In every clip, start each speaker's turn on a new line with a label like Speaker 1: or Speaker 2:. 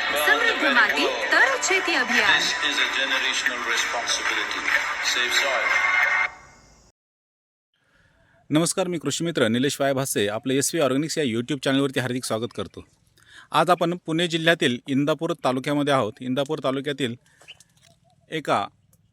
Speaker 1: समृद्ध माती तर शेती अभियान.
Speaker 2: This is a generational responsibility. Save soil.
Speaker 3: नमस्कार, मी कृषीमित्र निलेश वाय भासे आपलं SV ऑर्गॅनिक्स या यूट्यूब चॅनलवरती हार्दिक स्वागत करतो. आज आपण पुणे जिल्ह्यातील इंदापूर तालुक्यामध्ये आहोत. इंदापूर तालुक्यातील एका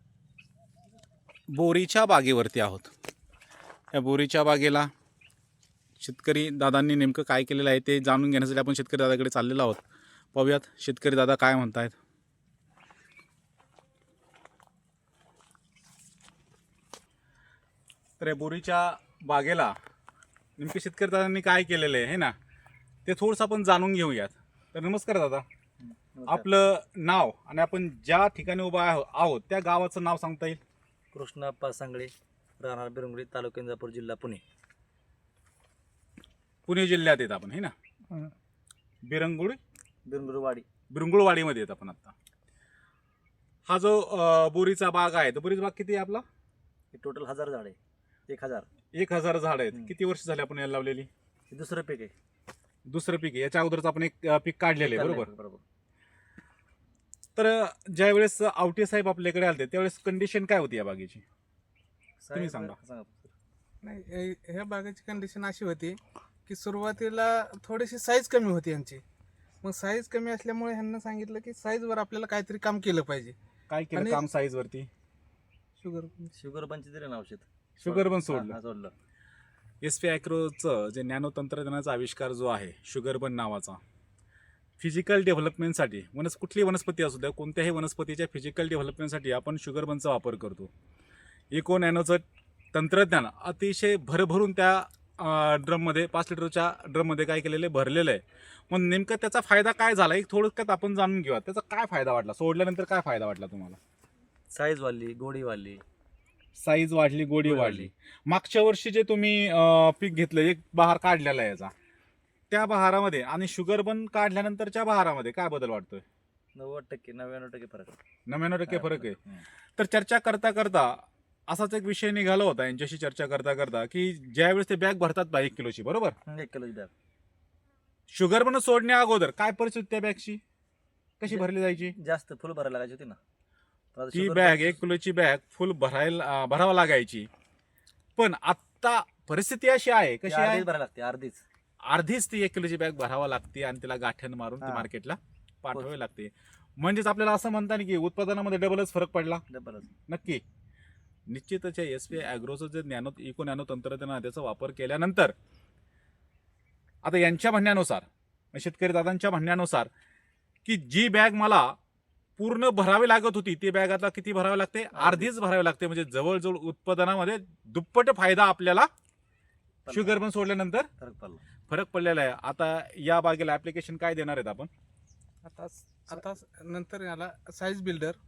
Speaker 3: बोरीच्या बागेवरती आहोत. या बोरीच्या बागेला शेतकरी दादांनी नेमकं काय केलेलं आहे ते जाणून घेण्यासाठी आपण शेतकरी दादाकडे चाललेलो आहोत. पाहूयात शेतकरी दादा काय म्हणतायत. तर या बोरीच्या बागेला नेमके शेतकरी दादांनी काय केलेलं आहे ना ते थोडंसं आपण जाणून घेऊयात. तर नमस्कार दादा, आपलं नाव आणि आपण ज्या ठिकाणी उभा आहोत त्या गावाचं नाव सांगता येईल?
Speaker 4: कृष्णाप्पा सांगळे, राहणार बिरंगुळी, तालुका इंदापूर, जिल्हा पुणे.
Speaker 3: पुणे जिल्ह्यात येत आपण, हे ना? बिरंगुळवाडीमध्ये येत आपण आता. हा जो बोरीचा बाग आहे तो बोरीचा बाग किती आहे आपला?
Speaker 4: टोटल 1000 झाड आहे.
Speaker 3: 1000 झाड आहेत. किती वर्ष झाले आपण याला लावलेली?
Speaker 4: दुसरं पीक आहे.
Speaker 3: दुसरं पीक आहे. याच्या अगोदरच आपण एक पीक काढलेलं आहे, बरोबर?
Speaker 4: बरोबर.
Speaker 3: तर ज्या वेळेस आवटे साहेब आपल्याकडे आले त्यावेळेस कंडिशन काय होती या बागेची? तुम्ही सांगा.
Speaker 5: नाही, ह्या बागेची कंडिशन अशी होती की सुरुवातीला थोडीशी साईज कमी होती यांची. मग साईज कमी असल्यामुळे ह्यांना सांगितलं की साईजवर आपल्याला काहीतरी काम केलं पाहिजे.
Speaker 3: काय केलं काम साईज वरती?
Speaker 4: शुगर बनचे दिले ना औषध.
Speaker 3: शुगर बन सोडलं.
Speaker 4: सोडलं.
Speaker 3: SV ॲग्रोचं जे नॅनो तंत्रज्ञानाचा आविष्कार जो आहे शुगर बन नावाचा, फिजिकल डेव्हलपमेंटसाठी कुठलीही वनस्पती असू द्या, कोणत्याही वनस्पतीच्या फिजिकल डेव्हलपमेंटसाठी आपण शुगर बनचा वापर करतो. इको नॅनोचं तंत्रज्ञान अतिशय भरभरून त्या ड्रममध्ये 5 लिटरच्या ड्रममध्ये काय केलेलं आहे, भरलेलं आहे. मग नेमकं त्याचा फायदा काय झाला एक थोडक्यात आपण जाणून घेऊया. त्याचा काय फायदा वाटला, सोडल्यानंतर काय फायदा वाटला तुम्हाला?
Speaker 4: साईज वाढली, गोडी वाढली.
Speaker 3: साईज वाढली, गोडी वाढली. मागच्या वर्षी जे तुम्ही पीक घेतलं, एक बहार काढलेला आहे याचा, त्या बहारामध्ये आणि शुगर बन काढल्यानंतरच्या बहारामध्ये काय बदल वाटतोय?
Speaker 4: 90% 99% फरक आहे.
Speaker 3: 99% फरक आहे. तर चर्चा करता करता असाच एक विषय निघाला होता यांच्याशी चर्चा करता करता की ज्यावेळेस ते बॅग भरतात 1 किलोची, बरोबर?
Speaker 4: 1 किलोची बॅग.
Speaker 3: शुगर बन सोडण्या अगोदर काय परिस्थिती त्या बॅगची कशी भरली जायची?
Speaker 4: जास्त फुल भरायला लागायची होती ना.
Speaker 3: ती बॅग 1 किलोची बॅग फुल भरावं लागायची. पण आता परिस्थिती अशी आहे, कशी आहे?
Speaker 4: भरायला लागते.
Speaker 3: अर्धीच ती 1 किलोची बॅग भरावं लागते आणि तिला गाठण मारून ती मार्केटला पाठवावी लागते. म्हणजेच आपल्याला असं म्हणता की उत्पादनामध्ये डबलच फरक पडला. नक्की निश्चितच SV ॲग्रोचं जे इको नॅनो तंत्रज्ञान आहे त्याचा वापर केल्यानंतर आता यांच्या म्हणण्यानुसार, शेतकरी दादांच्या म्हणण्यानुसार, की जी बॅग मला पूर्ण भरावी लागत होती ती बॅग आता किती भरावी लागते? अर्धीच भरावी लागते. म्हणजे जवळजवळ उत्पादनामध्ये दुप्पट फायदा आपल्याला शुगर बन सोडल्यानंतर फरक पडलेला आहे. आता या बागेला ऍप्लिकेशन काय देणार आहेत आपण?
Speaker 5: आता नंतर याला साईज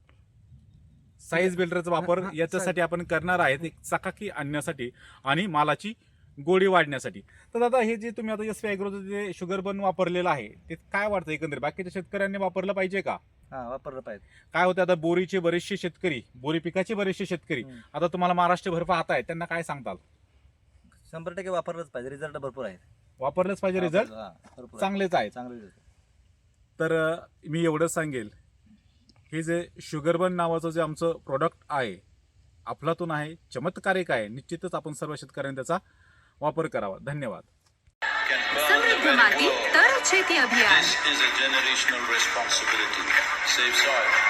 Speaker 3: बिल्डरचा वापर याच्यासाठी आपण करणार आहेत, एक चकाकी आणण्यासाठी आणि मालाची गोडी वाढण्यासाठी. तर दादा हे जे तुम्ही आता SV ॲग्रोचं जे शुगर बन वापरलेलं आहे ते काय वाटतं एकंदरीत बाकीच्या शेतकऱ्यांनी वापरलं पाहिजे का?
Speaker 4: वापरलं पाहिजे.
Speaker 3: काय होतं आता बोरीचे बरेचसे शेतकरी, बोरी पिकाचे बरेचसे शेतकरी आता तुम्हाला महाराष्ट्रभर पाहताय, त्यांना काय सांगताल?
Speaker 4: 100% वापरलंच पाहिजे. रिझल्ट भरपूर आहेत.
Speaker 3: वापरलंच पाहिजे. रिझल्ट चांगलेच आहेत. तर मी एवढंच सांगेल, हे जे शुगर बन नावाचं जे आमचं प्रोडक्ट आहे अफलातून आहे, चमत्कारिक आहे. निश्चितच आपण सर्व शेतकऱ्यांनी त्याचा वापर करावा. धन्यवाद.
Speaker 1: समृद्ध माती तर शेती अभियान.
Speaker 2: This is a generational responsibility. Save soil.